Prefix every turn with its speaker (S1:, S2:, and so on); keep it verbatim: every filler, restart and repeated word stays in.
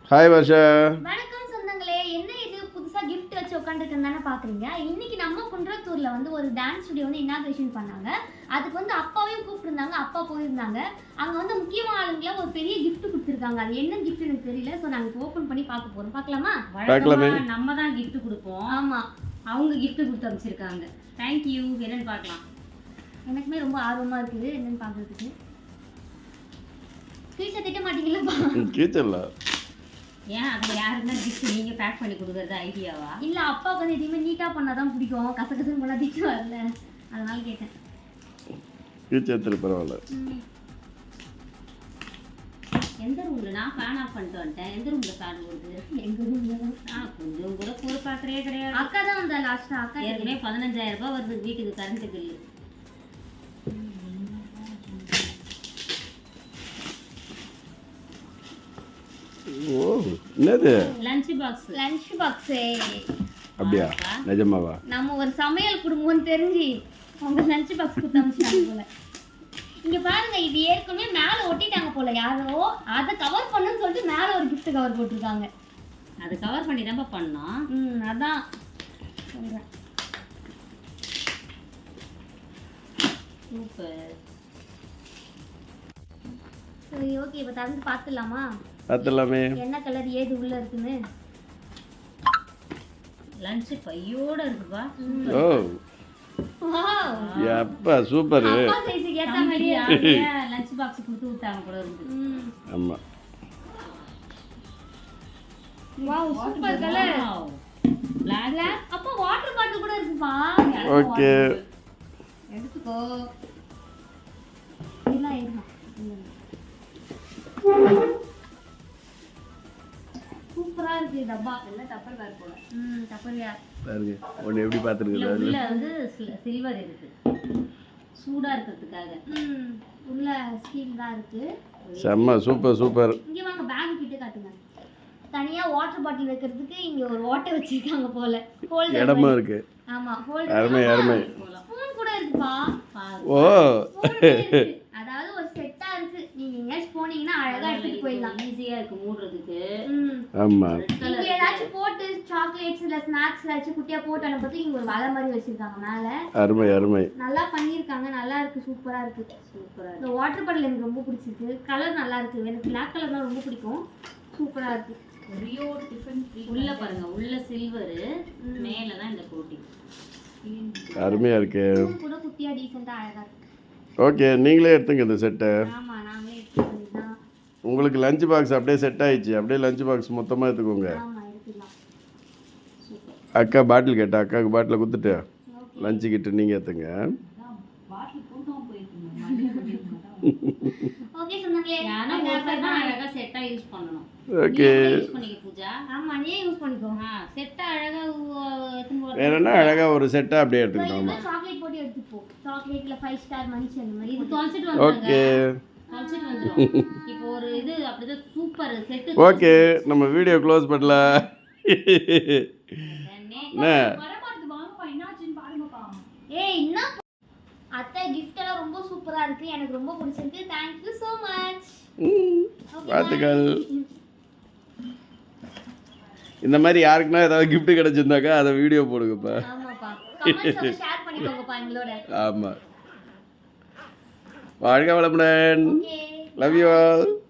S1: Hi Varsha.
S2: வணக்கம் சொந்தங்களே. என்ன இது புதுசா gift வச்சு உட்கார்ந்துருக்கேன்னு தானே பாக்குறீங்க. இன்னைக்கு நம்ம குன்றத்தூர்ல வந்து ஒரு டான்ஸ் ஸ்டுடியோ வந்து இனாகிரேஷன் பண்ணாங்க. அதுக்கு வந்து அப்பாவையும் கூப்பிட்டுருந்தாங்க. அப்பா போயிருந்தாங்க. அங்க வந்து முக்கியமான ஆளுங்கள ஒரு பெரிய gift கொடுத்திருக்காங்க. அது என்ன gift எனக்கு தெரியல. சோ நாங்க ஓபன் பண்ணி பார்க்க போறோம். பார்க்கலாமா?
S1: பார்க்கலாமே.
S3: நம்ம தான் gift கொடுப்போம்.
S2: ஆமா.
S3: அவங்க gift கொடுத்து அனுப்பிச்சிருக்காங்க. Thank you. என்னன்னு பார்க்கலாம்.
S2: எனக்குமே ரொம்ப ஆர்வமா இருக்குது என்னன்னு பார்க்கிறதுக்கு. ஸ்கிரீன்ஷாட் திட்ட மாட்டீங்களா?
S1: கீச்சல்ல.
S3: ஏன் அது யாருன்னா gift நீங்க பேக் பண்ணி கொடுக்கறது ஐடியாவா?
S2: இல்ல அப்பாவுக்கு வந்து எதுவுமே நீட்டா பண்ணாதான் பிடிக்கும். கசகசன்னு பண்ணா திட்டு வரல. அதனால கேட்டேன்.
S1: கீச்சத்துல பரவாயில்ல.
S3: எந்த ரூம்ல நான் ஃபேன் ஆஃப் பண்ணிட்டு வந்துட்டேன். எந்த ரூம்ல ஃபேன் ஓடுது?
S2: எங்க ரூம்ல தான்.
S3: ஆ கொஞ்சம் கூட பொறு பார்க்கறே கிடையாது.
S2: அக்கா தான் வந்தா லாஸ்டா. அக்கா
S3: ஏற்கனவே பதினஞ்சாயிரம் ரூபாய் வருது வீட்டுக்கு கரண்ட் பில்லு.
S1: ஓ என்னது?
S3: Lunch box.
S2: Lunch box.
S1: அப்படியா? நிஜமாவா?
S2: நம்ம ஒரு சமையல் குடும்பம்னு தெரிஞ்சு உங்க லஞ்ச் பாக்ஸ் கொடுத்து அனுப்பிச்சாங்க போல. இங்க பாருங்க, இது ஏற்கனவே மேல ஒட்டிட்டாங்க போல யாரோ. அதை கவர் பண்ணுன்னு சொல்லிட்டு மேல ஒரு gift கவர் போட்டிருக்காங்க.
S3: அது கவர் பண்ணி தான் பண்ணோம்.
S2: ம் அதான் சொல்றேன்.
S3: சூப்பர்.
S2: சரி ஓகே, இப்போ திறந்து பார்த்துடலாமா?
S1: பார்த்துடலாமே.
S2: என்ன கலர் ஏது உள்ள இருக்குன்னு.
S3: லஞ்ச் பையோட இருக்குப்பா.
S1: ஓ
S2: வாவ்,
S1: யப்பா சூப்பர்.
S2: அப்பா சைஸ்க்கு ஏத்த மாதிரி
S3: லஞ்ச் பாக்ஸ் கொடுத்து விட்டாங்க கூட இருந்து.
S2: ம்
S1: ஆமா.
S2: Wow super colour.
S3: பிளாக்.
S2: அப்பா வாட்டர் பாட்டில் கூட இருக்குப்பா.
S1: ஓகே
S2: எடுத்துக்கோ. இல்ல இல்ல. சூப்பரா இருக்கு டப்பா. எல்லாம் டப்பர் வேர் போல. ம் டப்பர் வேர்.
S1: பாருங்க ஒன்னு எப்படி பாத்துருக்கீங்க.
S3: உள்ள வந்து சில்வர் இருக்கு. சூடா இருக்கிறதுக்காக.
S2: ம் உள்ள ஸ்டீல் தான் இருக்கு.
S1: செம்ம சூப்பர் சூப்பர்.
S2: இங்க வாங்க பேக் கிட்ட காட்டுங்க. தனியா வாட்டர் பாட்டில் வைக்கிறதுக்கு இங்க ஒரு வாட்டர் வச்சிருக்காங்க போல. ஹோல்டர்
S1: இடமா இருக்கு.
S2: ஆமா ஹோல்டர்.
S1: அருமை அருமை.
S2: ஸ்பூன் கூட இருக்குப்பா.
S1: ஓ
S2: அதாவது ஒரு செட்டா இருக்கு. நீங்க எங்கயாச்சும் போனீங்கன்னா அழகா எடுத்துட்டு போயிடலாம்.
S3: ஈஸியா இருக்கு மூடுறதுக்கு.
S2: ம்
S1: ஆமா.
S2: இங்க ஏதாச்சும் போட்டு சாக்லேட்ஸ் இல்ல ஸ்நாக்ஸ் ஏதாச்சும் குட்டியா போட்டு அனுப்புறதுக்கு இங்க ஒரு வலை மாதிரி வச்சிருக்காங்க மேல.
S1: அருமை அருமை.
S2: நல்லா பண்ணிருக்காங்க. நல்லா இருக்கு. சூப்பரா இருக்கு. சூப்பரா. இந்த வாட்டர் பாட்டில் எனக்கு ரொம்ப பிடிச்சிருக்கு. கலர் நல்லா இருக்கு. எனக்கு Black கலர் தான் ரொம்ப பிடிக்கும். சூப்பரா இருக்கு.
S3: ரியோ டிஃபன் உள்ள பாருங்க. உள்ள சில்வர், மேல தான் இந்த கோட்டிங்.
S1: அருமையா இருக்கு.
S2: கூட குட்டியா டீசன்ட்டா அழகா இருக்கு.
S1: ஓகே நீங்களே எடுத்துங்க இந்த செட்டை.
S2: ஆமா நாங்களே எடுத்துக்கலாம்.
S1: உங்களுக்கு லஞ்ச் பாக்ஸ் அப்படியே செட் ஆயிடுச்சு. அப்படியே லஞ்ச் பாக்ஸ் மொத்தமா எடுத்துக்கோங்க.
S2: ஆமா எடுத்துக்கலாம்.
S1: அக்கா பாட்டில் கேட்டா அக்காவுக்கு பாட்டில் கொடுத்துட்டு லஞ்சு கிட்ட நீங்க எடுத்துங்க.
S2: ஓகே சொன்னாங்களே.
S3: யானா ஒருத்தர் தான் அழகா செட்டா யூஸ் பண்ணனும்.
S1: ஓகே
S3: யூஸ் பண்ணிக்க பூஜா.
S2: ஆமா நீ யூஸ் பண்ணிக்கோ.
S3: ஆ செட்டா அழகா எத்துன்னு போற.
S1: வேறனா அழகா ஒரு செட்டா அப்படியே எடுத்துக்கணும். ஆமா
S2: சாக்லேட் போட்டு எடுத்து போ. சாக்லேட்ல ஃபைவ் ஸ்டார் மனுஷன் அந்த மாதிரி
S3: இது தொலைச்சிட்டு வந்தாங்க.
S1: ஓகே
S3: தொலைச்சிட்டு வந்துரும். இப்போ ஒரு இது அப்படியே சூப்பர் செட்.
S1: ஓகே நம்ம வீடியோ க்ளோஸ் பண்ணலாம். என்ன
S2: வரமாட்டது வாங்கப்பா. என்னாச்சுன்னு பாருங்கப்பா. ஏய் என்ன அத்தை gift எல்லாம் ரொம்ப சூப்பரா இருக்கு. எனக்கு ரொம்ப பிடிச்சிருக்கு. Thank you so much.
S1: வாழ்த்துக்கள். இந்த மாதிரி யாருக்குன்னா ஏதாவது gift கிடைச்சிருந்தாக்கா அதை வீடியோ போடுங்கப்பா.
S2: ஆமாப்பா. கமெண்ட்ஸ்ல ஷேர் பண்ணிக்கோங்கப்பா எங்களோட.
S1: ஆமா. வாழ்க வளமுடன்.
S2: ஓகே.
S1: Love you all.